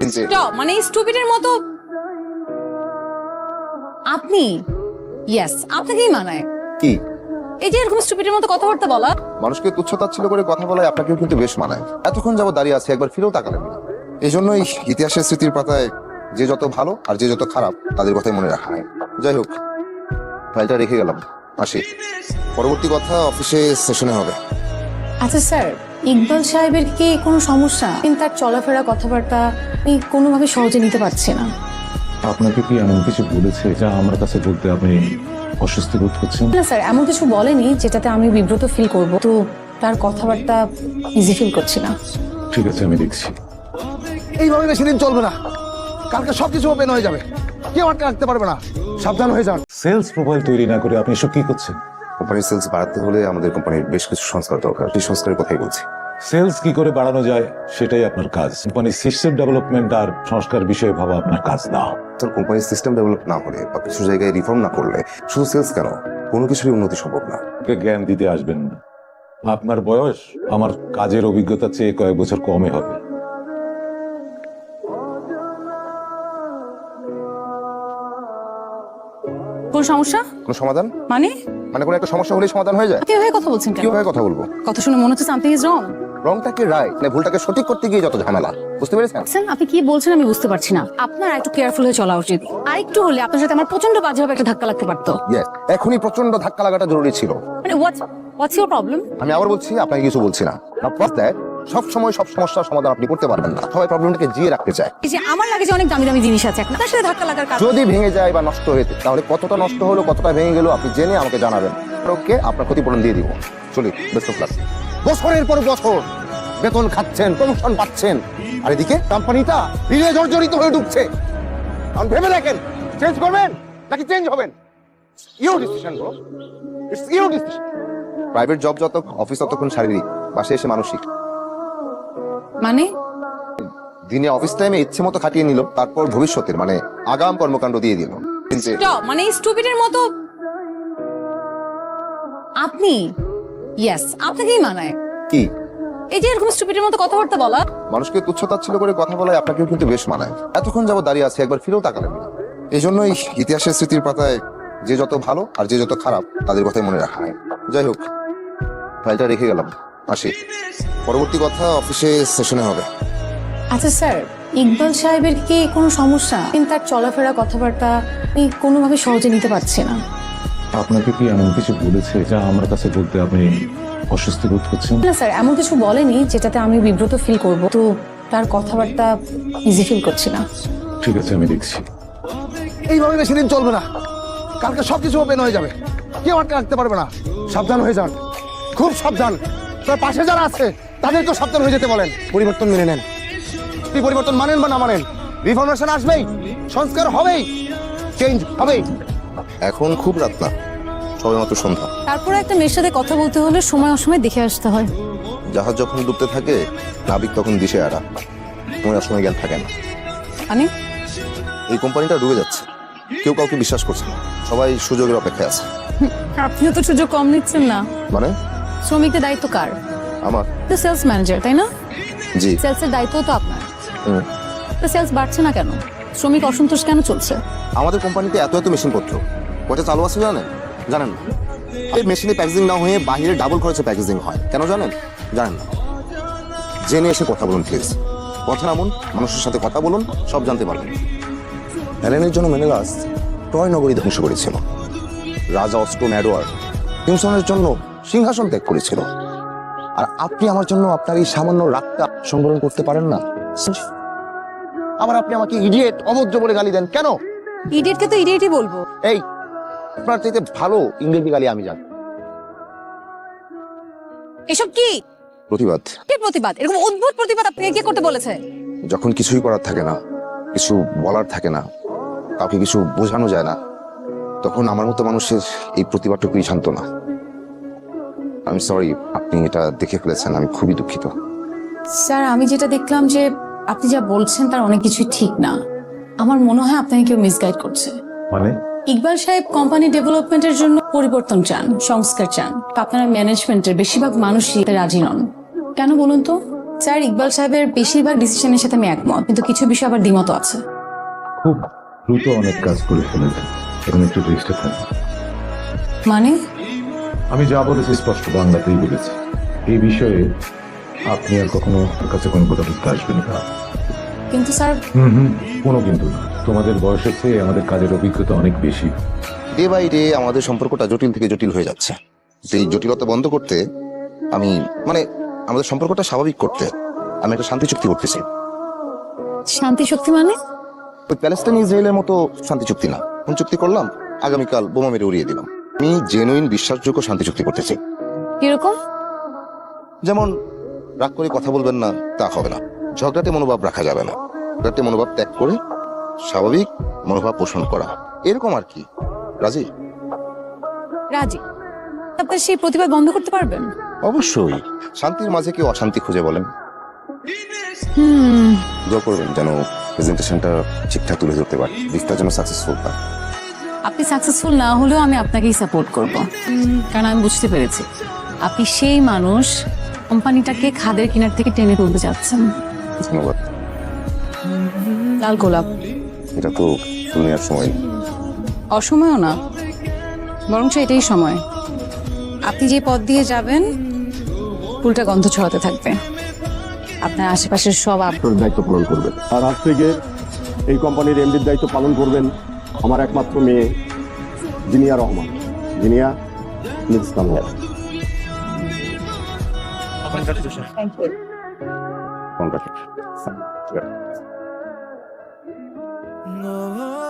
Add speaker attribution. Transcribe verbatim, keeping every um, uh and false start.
Speaker 1: Stop, মানে স্টুপিডের মতো আপনি ইয়েস আপনাকেই মানায়
Speaker 2: কি
Speaker 1: এই যে এরকম স্টুপিডের মতো কথাবার্তা বলা।
Speaker 2: মানুষকে তুচ্ছতাচ্ছিল্য করে কথা বলায় আপনাকেও কিন্তু বেশ মানায়। এতক্ষণ যাবত দাঁড়িয়ে আছে, একবার ফিরেও তাকালেন না। এই জন্যই ইতিহাসের স্মৃতির পাতায় যে যত ভালো আর যে যত খারাপ তাদের কথাই মনে রাখা হয়। যাই হোক, ফাইলটা রেখে গেলাম, আসি। পরবর্তী কথা অফিসে সেশনে হবে।
Speaker 1: আচ্ছা স্যার, ইকবাল সাহেবের কি কোনো সমস্যা? কিন্তু তার চলাফেরা কথাবার্তা আমি কোনোভাবে সহজে নিতে পারছি না।
Speaker 3: আপনাকে কি এমন কিছু বলেছে যা আমার কাছে বলতে আপনি অস্বস্তি বোধ করছেন?
Speaker 1: না স্যার, এমন কিছু বলেনি যেটাতে আমি বিব্রত ফিল করব, তো তার কথাবার্তা ইজি ফিল করছি না।
Speaker 3: ঠিক আছে, আমি দেখছি।
Speaker 4: এইভাবে বেশি দিন চলবে না, কালকে সবকিছু ওপেন হয়ে যাবে, কেউ আটকে রাখতে পারবে না। সাবধান হয়ে যান।
Speaker 3: সেলস প্রোফাইল তৈরি না করে আপনি এসব কি করছেন?
Speaker 2: কোম্পানির সেলস বাড়াতে হলে আমাদের কোম্পানির বেশ কিছু সংস্কার দরকার, সেই সংস্কারের কথাই বলছি।
Speaker 3: সেলস কি করে বাড়ানো যায় সেটাই আপনার কাজ। কোম্পানির সিস্টেম ডেভেলপমেন্ট আর সংস্কার বিষয়ে ভাবা আপনার কাজ না।
Speaker 2: তোর কোম্পানির সিস্টেম ডেভেলপ না হলে বা কিছু জায়গায় রিফর্ম না করলে শুধু সেলস কেন, কোনো কিছুরই উন্নতি সম্ভব না।
Speaker 3: ওকে জ্ঞান দিতে আসবেন না। আপনার বয়স আমার কাজের অভিজ্ঞতার চেয়ে কয়েক বছর কমে হবে।
Speaker 1: কোন সমস্যা?
Speaker 2: কোনো সমাধান
Speaker 1: মানে
Speaker 2: মানে কোনো একটা সমস্যা হলেই সমাধান হয়ে যায়?
Speaker 1: কিভাবে কথা বলছেন কেন?
Speaker 2: কিভাবে কথা বলবো?
Speaker 1: কথা শুনে মনে হচ্ছে সামথিং ইজ রং।
Speaker 2: রংটাকে রাইট মানে ভুলটাকে সঠিক করতে গিয়ে যত ঝামেলা, বুঝতে পেরেছেন?
Speaker 1: স্যার, আপনি কি বলছেন আমি বুঝতে পারছি না। আপনার একটু কেয়ারফুল হয়ে চলা উচিত। আর একটু হলে আপনার সাথে আমার প্রচন্ড বাজেভাবে একটা ধাক্কা লাগতে পারতো।
Speaker 2: ইয়েস, এখনই প্রচন্ড ধাক্কা লাগাটা জরুরি ছিল।
Speaker 1: মানে হোয়াটস হোয়াটস ইওর প্রবলেম?
Speaker 2: আমি আবার বলছি, আপনাকে কিছু বলছি না। সব সময় সব সমস্যার সমাধান আপনি করতে পারবেন না, সবাই প্রবলেমটাকে জিয়ে রাখতে চায়।
Speaker 1: এই যে আমার লাগে যে অনেক দামি দামি জিনিস আছে, আপনার সাথে ধাক্কা লাগার কারণ
Speaker 2: যদি ভেঙে যায় বা নষ্ট হয়ে যায়, তাহলে কতটা নষ্ট হলো কতটা ভেঙে গেল আপনি জেনে আমাকে জানাবেন। ওকে, আপনার ক্ষতিপূরণ দিয়ে দিব। চলি, বেস্ট অফ লাক। বছরের পর বছর বেতন খাচ্ছেন, প্রমোশন পাচ্ছেন, আর এদিকে কোম্পানিটা ঋণে জর্জরিত হয়ে ঢুকছে। এখন ভেবে দেখেন, চেঞ্জ করবেন নাকি চেঞ্জ হবেন? Your decision bro, it's your decision. Private job যত, অফিস ততক্ষণ শারীরিক, বাসে এসে মানসিক।
Speaker 1: মানে
Speaker 2: দিনে অফিস টাইমে ইচ্ছে মতো খাটিয়ে নিল, তারপর ভবিষ্যতের মানে আগাম কর্মকাণ্ড দিয়ে দিল।
Speaker 1: স্টপ, মানে স্টুপিডের মতো আপনি ইয়েস আপনাকেই মানায়।
Speaker 2: কি
Speaker 1: এই যে এরকম স্টুপিডের মতো কথাবার্তা বলা।
Speaker 2: মানুষকে তুচ্ছতাচ্ছিল্য করে কথা বলায় আপনাকেও কিন্তু বেশ মানায়। এতক্ষণ যাবত দাঁড়িয়ে আছে, একবার ফিরেও তাকালেন না। এই জন্যই ইতিহাসের স্মৃতির পাতায় যে যত ভালো আর যে যত খারাপ তাদের কথাই মনে রাখা হয়। যাই হোক, ফাইলটা রেখে গেলাম, আসি। পরবর্তী কথা অফিসে সেশনে হবে।
Speaker 1: আচ্ছা স্যার, ইকবাল সাহেবের কি কোনো সমস্যা? কিন্তু তার চলাফেরা কথাবার্তা আমি কোনোভাবে সহজে নিতে পারছি না।
Speaker 3: আপনাকে কি এমন কিছু বলেছে যা আমার কাছে বলতে আপনি অস্বস্তি বোধ করছেন?
Speaker 1: না স্যার, এমন কিছু বলেনি যেটাতে আমি বিব্রত ফিল করব, তো তার কথাবার্তা ইজি ফিল করছি না।
Speaker 3: ঠিক আছে, আমি দেখছি।
Speaker 4: এইভাবে বেশি দিন চলবে না, কালকে সবকিছু ওপেন হয়ে যাবে, কেউ আটকে রাখতে পারবে না। সাবধান হয়ে যান, খুব সাবধান। তার পাশে যারা আছে তাদেরকেও সাবধান হয়ে যেতে বলেন। পরিবর্তন মেনে নেন। আপনি পরিবর্তন মানেন বা না মানেন, রিফরমেশন আসবেই, সংস্কার হবেই, চেঞ্জ হবেই।
Speaker 2: এখন খুব রাত না, সবে মাত্র সন্ধ্যা।
Speaker 1: তারপরে একটা মেয়ের সাথে কথা বলতে হলে সময় অসময় দেখে আসতে হয়।
Speaker 2: জাহাজ যখন ডুবতে থাকে, নাবিক তখন দিশে হারা, মনে সময় জ্ঞান থাকে না।
Speaker 1: মানে
Speaker 2: এই কোম্পানিটা ডুবে যাচ্ছে, কেউ কাউকে বিশ্বাস করছে না, সবাই সুযোগের অপেক্ষায় আছে।
Speaker 1: আপনিও তো সুযোগ কম নিচ্ছেন না।
Speaker 2: মানে
Speaker 1: শ্রমিকদের দায়িত্ব কার?
Speaker 2: আমার।
Speaker 1: তো সেলস ম্যানেজার, তাই না?
Speaker 2: জি।
Speaker 1: সেলসের দায়িত্ব তো আপনার।
Speaker 2: হুম।
Speaker 1: তো সেলস বাড়ছে না কেন? শ্রমিক অসন্তোষ কেন চলছে?
Speaker 2: আমাদের কোম্পানিতে এত এত মেশিনপত্র কয়টা চালু আছে জানেন? জানেন না। এই মেশিনে প্যাকেজিং না হয়ে বাইরে ডাবল খরচে প্যাকেজিং হয়, কেন জানেন? জানেন না। জেনে এসে কথা বলুন প্লিজ। কথা নামুন, মানুষের সাথে কথা বলুন, সব জানতে পারবেন। হেলেনের জন্য মেনেলাস ট্রয় নগরী ধ্বংস করেছিল। রাজা অস্ট্রোন এডওয়ার্ড কিংসনের জন্য সিংহাসন ত্যাগ করেছিল। আর আপনি আমার জন্য আপনার এই সামান্য রাগটা সংবরণ করতে পারেন না। আবার আপনি আমাকে ইডিয়েট, অভদ্র বলে গালি দেন কেন?
Speaker 1: ইডিয়েটকে তো ইডিয়েটই বলবো।
Speaker 2: এই, আপনার চাইতে ভালো ইংরেজি গালি আমি জানি।
Speaker 1: এসব কি
Speaker 2: প্রতিবাদ।
Speaker 1: কি প্রতিবাদ? এরকম অদ্ভুত প্রতিবাদ আপনাকে কে করতে বলেছে?
Speaker 2: যখন কিছুই করার থাকে না, কিছু বলার থাকে না, কাউকে কিছু বোঝানো যায় না, তখন আমার মতো মানুষের এই প্রতিবাদটুকুই শান্ত না। আমি সরি, আপনি এটা দেখে ফেলেছেন, আমি খুবই দুঃখিত।
Speaker 1: স্যার, আমি যেটা দেখলাম যে আপনি যা বলছেন তার অনেক কিছুই ঠিক না। আমার মনে হয় আপনাকে কেউ মিসগাইড করছে।
Speaker 3: মানে
Speaker 1: ইকবাল সাহেব কোম্পানি ডেভেলপমেন্টের জন্য পরিবর্তন চান, সংস্কার চান। আপনারা ম্যানেজমেন্টের বেশিরভাগ মানুষই এতে রাজি নন। কেন বলুন তো? স্যার, ইকবাল সাহেবের বেশিরভাগ ডিসিশনের সাথে আমি একমত, কিন্তু কিছু বিষয় আবার দ্বিমত আছে।
Speaker 3: খুব দ্রুত অনেক কাজ করে ফেলেছেন, এখন একটু রেস্টে থাকুন।
Speaker 1: মানে?
Speaker 3: আমি যা বলেছি স্পষ্ট বাংলাতেই বলেছি। এই বিষয়ে আপনি আর কখনো আমার কাছে কোনো কথা বলতে আসবেন না।
Speaker 1: কিন্তু স্যার,
Speaker 3: হুম হুম কোনো কিন্তু না। তোমাদের বয়সের চেয়ে আমাদের কাজের অভিজ্ঞতা অনেক বেশি।
Speaker 2: ডে বাই ডে আমাদের সম্পর্কটা জটিল থেকে জটিল হয়ে যাচ্ছে। এই জটিলতা বন্ধ করতে আমি মানে আমাদের সম্পর্কটা স্বাভাবিক করতে আমি একটা শান্তি চুক্তি করতেছি।
Speaker 1: শান্তি শক্তি মানে?
Speaker 2: ওই প্যালেস্টাইন ইসরায়েলের মতো শান্তি চুক্তি না। কোন চুক্তি করলাম? আগামীকাল বোমা মেরে উড়িয়ে দিলাম। আমি জেনুইন বিশ্বাসযোগ্য শান্তি চুক্তি করতেছি।
Speaker 1: কিরকম?
Speaker 2: যেমন রাগ করে কথা বলবেন না, তা হবে না। ঝগড়াটে মনোভাব রাখা যাবে না। ঝগড়াটে মনোভাব ত্যাগ করে স্বাভাবিক মনোভাব পোষণ করা, এরকম আর কি। রাজি?
Speaker 1: রাজি। আপনার সেই প্রতিবাদ বন্ধ করতে পারবেন?
Speaker 2: অবশ্যই। শান্তির মাঝে কেউ অশান্তি খুঁজে বলেন।
Speaker 1: হুম।
Speaker 2: দোয়া করবেন যেন প্রেজেন্টেশনটা ঠিকঠাক তুলে ধরতে পারি, বিস্তার যেন সাকসেসফুল হয়।
Speaker 1: আপনি সাকসেসফুল না হলেও আমি আপনাকেই সাপোর্ট করব, কারণ আমি বুঝতে পেরেছি আপনি সেই মানুষ কোম্পানিটাকে খাদের কিনার থেকে টেনে তুলতে চাচ্ছেন।
Speaker 2: ধন্যবাদ।
Speaker 1: লাল গোলাপ
Speaker 2: এটা তো দুনিয়ার সময়।
Speaker 1: অসময়ও না, বরং এটাই সময়। আপনি যে পথ দিয়ে যাবেন ফুলটা গন্ধ ছড়াতে থাকবে, আপনার আশেপাশের সব আপ
Speaker 5: আপনার দায়িত্ব পালন করবেন। আর আজ থেকে এই কোম্পানির এমডির দায়িত্ব পালন করবেন আমার একমাত্র মেয়ে Zinia Rahman. Zinia, please come here.
Speaker 2: Congratulation.